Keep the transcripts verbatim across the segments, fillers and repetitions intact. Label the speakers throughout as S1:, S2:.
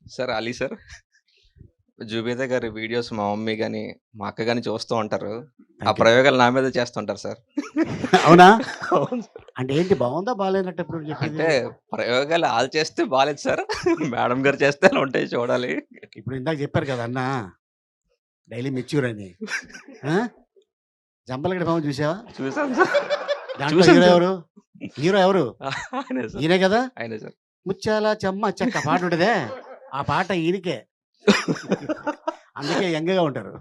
S1: Sir 'Ali' sir. 'Zubeda' గారి videos మా mummy గాని, మా అక్క గాని చూస్తూ ఉంటారు. ఆ
S2: థ్యాంక్ యూ.
S1: ప్రయోగాలు నా మీదే చేస్తుంటారు సార్.
S2: అవునా?
S1: అవును సార్.
S2: అంటే ఏంటి బావుందా? బాలేనట్టా ఇప్పుడు చెప్పేది?
S1: అంటే ప్రయోగాలు ఆళ్ళు చేస్తే బాలేదు సార్. మేడం గారు చేస్తే ఎలా ఉంటాయి చూడాలి.
S2: ఇప్పుడు ఇందాక చెప్పారు కదా! అన్న డైలీ మెచ్యూర్ అని. ఆ! జంబలగడ్డ మామ చూసావా?
S1: చూసాను సార్.
S2: దాంట్లో
S1: చూసాను
S2: హీరో
S1: సార్.
S2: ఎవరు? హీరో ఎవరు?
S1: ఆయనే సార్.
S2: ఈయనే కదా!
S1: ఆయనే సార్.
S2: ముత్యాల చెమ్మ చెక్క పాట ఉంటదే, ఆ పాట ఈయనకే. అందుకే యంగ్‌గా ఉంటారు.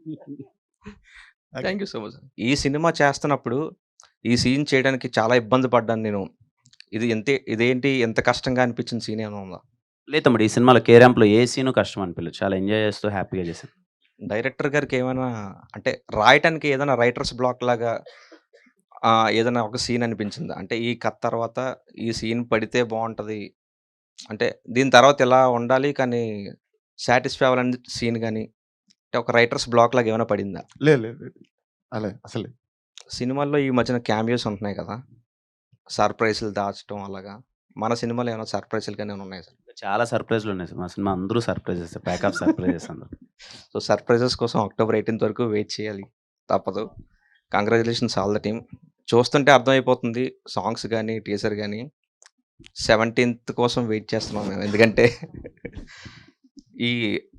S2: Okay.
S1: Thank you so much. ఈ సినిమా చేస్తున్నప్పుడు, ఈ సీన్ చేయడానికి చాలా ఇబ్బంది పడ్డాను నేను. ఇది ఎంతే ఇదేంటి ఎంత కష్టంగా అనిపించిన సీన్ ఏమైనా ఉందా?
S3: లేదు తమ్ముడు. ఈ సినిమాలో 'కే ర్యాంప్‌లో' ఏ సీను కష్టం అనిపియలేదు. చాలా ఎంజాయ్ చేస్తూ హ్యాపీగా చేశాను.
S1: డైరెక్టర్ గారికి ఏమైనా అంటే రాయటానికి ఏదైనా రైటర్స్ బ్లాక్ లాగా ఆహ్, ఏదైనా ఒక సీన్ అనిపించిందా? అంటే ఈ కథ తర్వాత ఈ సీన్ పడితే బావుంటది. అంటే దీని తర్వాత ఇలా ఉండాలి కానీ సాటిస్ఫై అవ్వాలని సీన్ గాని, అంటే ఒక రైటర్స్ బ్లాక్ లాగా ఏమైనా పడిందా?
S4: లేదు లేదు లేదు. అలా అసలే.
S1: సినిమాల్లో ఈ మధ్యన క్యామియోస్ ఉంటున్నాయి కదా! సర్ప్రైజ్‌లు దాచటం అలాగా. మన సినిమాలో ఏమైనా సర్ప్రైజ్‌లు గాని ఏమైనా ఉన్నాయా సార్?
S3: చాలా సర్ప్రైజ్‌లు ఉన్నాయి సార్. మా సినిమా అందరూ సర్ప్రైజెసే. ప్యాక్ ఆఫ్ సర్ప్రైజెస్ అందరూ.
S1: సో, సర్ప్రైజెస్ కోసం అక్టోబర్ ఎయిటీన్త్ వరకు వెయిట్ చేయాలి. తప్పదు. Congratulations all the team. చూస్తుంటే అర్థమైపోతుంది సాంగ్స్ గాని, టీజర్ గాని. సెవెంటీన్త్ కోసం వెయిట్ చేస్తున్నాం మేము. ఎందుకంటే ఈ